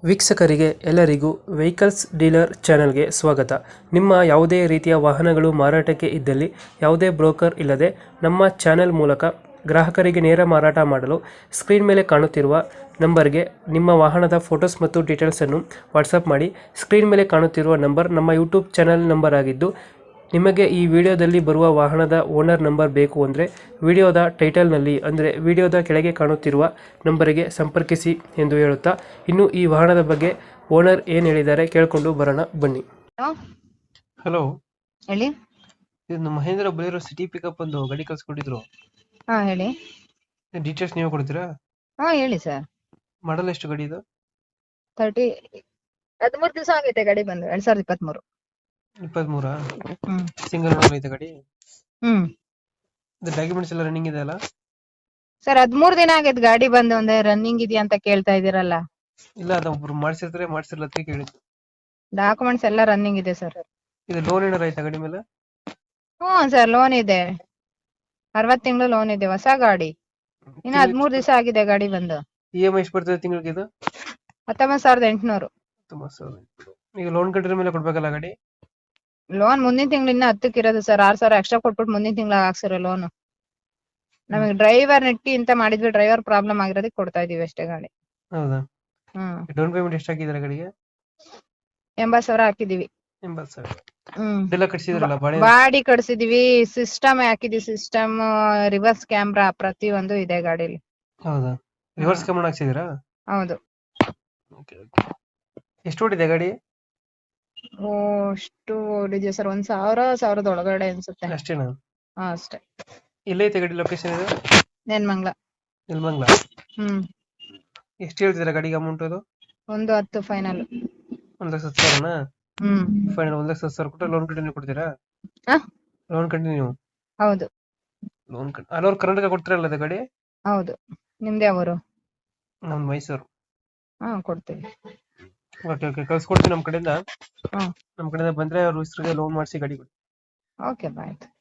ವೀಕ್ಷಕರಿಗೆ ಎಲ್ಲರಿಗೂ vehicles dealer ಚಾನೆಲ್ಗೆ ಸ್ವಾಗತ. ನಿಮ್ಮ ಯಾವುದೇ ರೀತಿಯ ವಾಹನಗಳು ಮಾರಾಟಕ್ಕೆ ಇದ್ದಲ್ಲಿ ಯಾವುದೇ ಬ್ರೋಕರ್ ಇಲ್ಲದೆ ನಮ್ಮ ಚಾನೆಲ್ ಮೂಲಕ ಗ್ರಾಹಕರಿಗೆ ನೇರ ಮಾರಾಟ ಮಾಡಲು ಸ್ಕ್ರೀನ್ ಮೇಲೆ ಕಾಣುತ್ತಿರುವ ನಂಬರ್ಗೆ ನಿಮ್ಮ ವಾಹನದ ಫೋಟೋಸ್ ಮತ್ತು ಡೀಟೇಲ್ಸನ್ನು ವಾಟ್ಸಪ್ ಮಾಡಿ. ಸ್ಕ್ರೀನ್ ಮೇಲೆ ಕಾಣುತ್ತಿರುವ ನಂಬರ್ ನಮ್ಮ ಯೂಟ್ಯೂಬ್ ಚಾನೆಲ್ ನಂಬರ್ ಆಗಿದ್ದು, ನಿಮಗೆ ಈ ವಿಡಿಯೋದಲ್ಲಿ ಬರುವ ವಾಹನದ ಓನರ್ ನಂಬರ್ ಬೇಕು ಅಂದರೆ ವಿಡಿಯೋದ ಟೈಟಲ್ನಲ್ಲಿ ಅಂದರೆ ವಿಡಿಯೋದ ಕೆಳಗೆ ಕಾಣುತ್ತಿರುವ ನಂಬರಿಗೆ ಸಂಪರ್ಕಿಸಿ ಎಂದು ಹೇಳುತ್ತಾ, ಇನ್ನು ಈ ವಾಹನದ ಬಗ್ಗೆ ಓನರ್ ಏನು ಹೇಳಿದ್ದಾರೆ ಕೇಳಿಕೊಂಡು ಬರೋಣ ಬನ್ನಿ. ಹಲೋ ಹಲೋ, ಹೇಳಿ. ಇದು ಮಹೇಂದ್ರ ಬಲಿರೋ ಸಿಟಿ ಪಿಕಪ್ ಒಂದು ಗಾಡಿ ಕಳ್ಸಿಕೊಟ್ಟಿದ್ರು. ಹಾ ಹೇಳಿ. ಡೀಟೇಲ್ಸ್ ನೀವು ಕೊಡ್ತೀರಾ? ಹಾ ಹೇಳಿ ಸರ್. ಮಾಡಲ್ ಎಷ್ಟು ಗಾಡಿ ಇದು? 13 ದಿವಸ ಆಗೈತೆ ಗಾಡಿ ಬಂದು 2023. 23? ಹ್ಮ್ ಸಿಂಗಲ್ ಓನರ್ ಐತೆ ಗಾಡಿ? ಹ್ಮ್ ಇದು ಡಾಕ್ಯುಮೆಂಟ್ಸ್ ಎಲ್ಲ ರನ್ನಿಂಗ್ ಇದೆ ಅಲ್ಲ? ಸರ್ 13 ದಿನ ಆಗೈತೆ ಗಾಡಿ ಬಂದು, ಒಂದೇ ರನ್ನಿಂಗ್ ಇದೆಯಾ ಅಂತ ಕೇಳ್ತಾ ಇದೀರಲ್ಲ. ಇಲ್ಲ, ಅದು ಒಬ್ರು ಮಾಡಿಸಿರ್ತಾರೆ, ಮಾಡಿಸಿರ್ಲ ಅಂತ ಕೇಳಿದ್ದು. ಡಾಕ್ಯುಮೆಂಟ್ಸ್ ಎಲ್ಲ ರನ್ನಿಂಗ್ ಇದೆ ಸರ್. ಇದು ಲೋನ್ ಏನಾರ ಐತಾ ಗಾಡಿ ಮೇಲೆ? ಹ್ಮ್ ಸರ್, ಲೋನ್ ಇದೆ. 60 ತಿಂಗಳು ಲೋನ್ ಇದೆ, ಹೊಸ ಗಾಡಿ. ಇನ್ನು 13 ದಿವಸ ಆಗಿದೆ ಗಾಡಿ ಬಂದು. EMI ಎಷ್ಟು ಬರ್ತದೆ ತಿಂಗಳಿಗೆ ಇದು? 19,800. 19,000. ಈಗ ಲೋನ್ ಕಟ್ಟಿದ ಮೇಲೆ ಕೊಡ್ಬೇಕಲ್ಲ ಗಾಡಿ? ಲೋನ್ ಮುಂದಿನ ತಿಂಗಳು ಇನ್ನ 10ಕ್ಕೆ ಇರೋದು ಸರ್. 6,000 ಎಕ್ಸ್ಟ್ರಾ ಕೊಟ್ಬಿಟ್ಟು ಮುಂದಿನ ತಿಂಗಳ ಹಾಕ್ಸಿರೋ ಲೋನ್. ನಮಗೆ ಡ್ರೈವರ್ ನೆಟ್ಟಿ ಅಂತ ಮಾಡಿದ್ವಿ, ಡ್ರೈವರ್ ಪ್ರಾಬ್ಲಮ್ ಆಗಿರೋದಕ್ಕೆ ಕೊಡ್ತಾ ಇದೀವಿ ಅಷ್ಟೇ ಗಾಡಿ. ಹೌದಾ? ಹ್ಮ್ ಡೌನ್ ಪೇಮೆಂಟ್ ಎಷ್ಟು ಹಾಕಿದ್ರೆ ಗಾಡಿಗೆ? 80,000 ಹಾಕಿದೀವಿ. 80,000. ಹ್ಮ್ ಇದೆಲ್ಲ ಕಟ್ಸಿದ್ರಲ್ಲ ಬಾಡಿ? ಬಾಡಿ ಕಟ್ಸಿದೀವಿ, ಸಿಸ್ಟಮ್ ಹಾಕಿದೀವಿ. ಸಿಸ್ಟಮ್, ರಿವರ್ಸ್ ಕ್ಯಾಮ್ರಾ ಪ್ರತಿಯೊಂದು ಇದೆ ಗಾಡಿಲಿ. ಹೌದಾ? ರಿವರ್ಸ್ ಕ್ಯಾಮೆರಾ ಹಾಕ್ಸಿದೀರಾ? ಹೌದು. ಎಷ್ಟು ಓಡಿದೆ ಗಾಡಿ? ಅಷ್ಟು ಓಡಿದ್ಯಾ ಸರ್? 1,000 ಒಳಗಡೆ ಅನ್ಸುತ್ತೆ. ಅಷ್ಟೇನಾ? ಹಾ ಅಷ್ಟೇ. ಎಲ್ಲೈತೆ ಗಾಡಿ ಲೊಕೇಶನ್ ಇದು? ನೆನ್ಮಂಗ್ಲ. ನೆಲಮಂಗಲ. ಹ್ಮ್ ಎಷ್ಟು ಹೇಳ್ತಿದ್ದೀರಾ ಗಾಡಿಗೆ ಅಮೌಂಟ್? ಅದು 1,10 ಫೈನಲ್. 1,10,000ನಾ? ಹ್ಮ್ ಫೈನಲ್ 1,10,000 ಕೊಟ್ಟು ಲೋನ್ ಕಂಟಿನ್ಯೂ ಕೊಡ್ತೀರಾ? ಆ? Loan continue? ಹೌದು ಲೋನ್ ಆಲ್ ಓವರ್ ಕರ್ನಾಟಕ ಕೊಡ್ತೀರಲ್ಲ ಅದು ಗಾಡಿ? ಹೌದು. ನಿಮ್ದೇ ಅವರು? ನಮ್ದು ಮೈಸೂರು. ಹಾ ಕೊಡ್ತೀವಿ. ಓಕೆ ಓಕೆ, ಕಳ್ಸ್ಕೊಡ್ತೀನಿ ನಮ್ಮ ಕಡೆಯಿಂದ. ಹಾ ನಮ್ಮ ಕಡೆಯಿಂದ ಬಂದ್ರೆ ಅವ್ರ ಹೆಸರಿಗೆ ಲೋನ್ ಮಾಡಿಸಿ ಗಾಡಿ ಕೊಡಿ. ಓಕೆ ಬಾಯ್.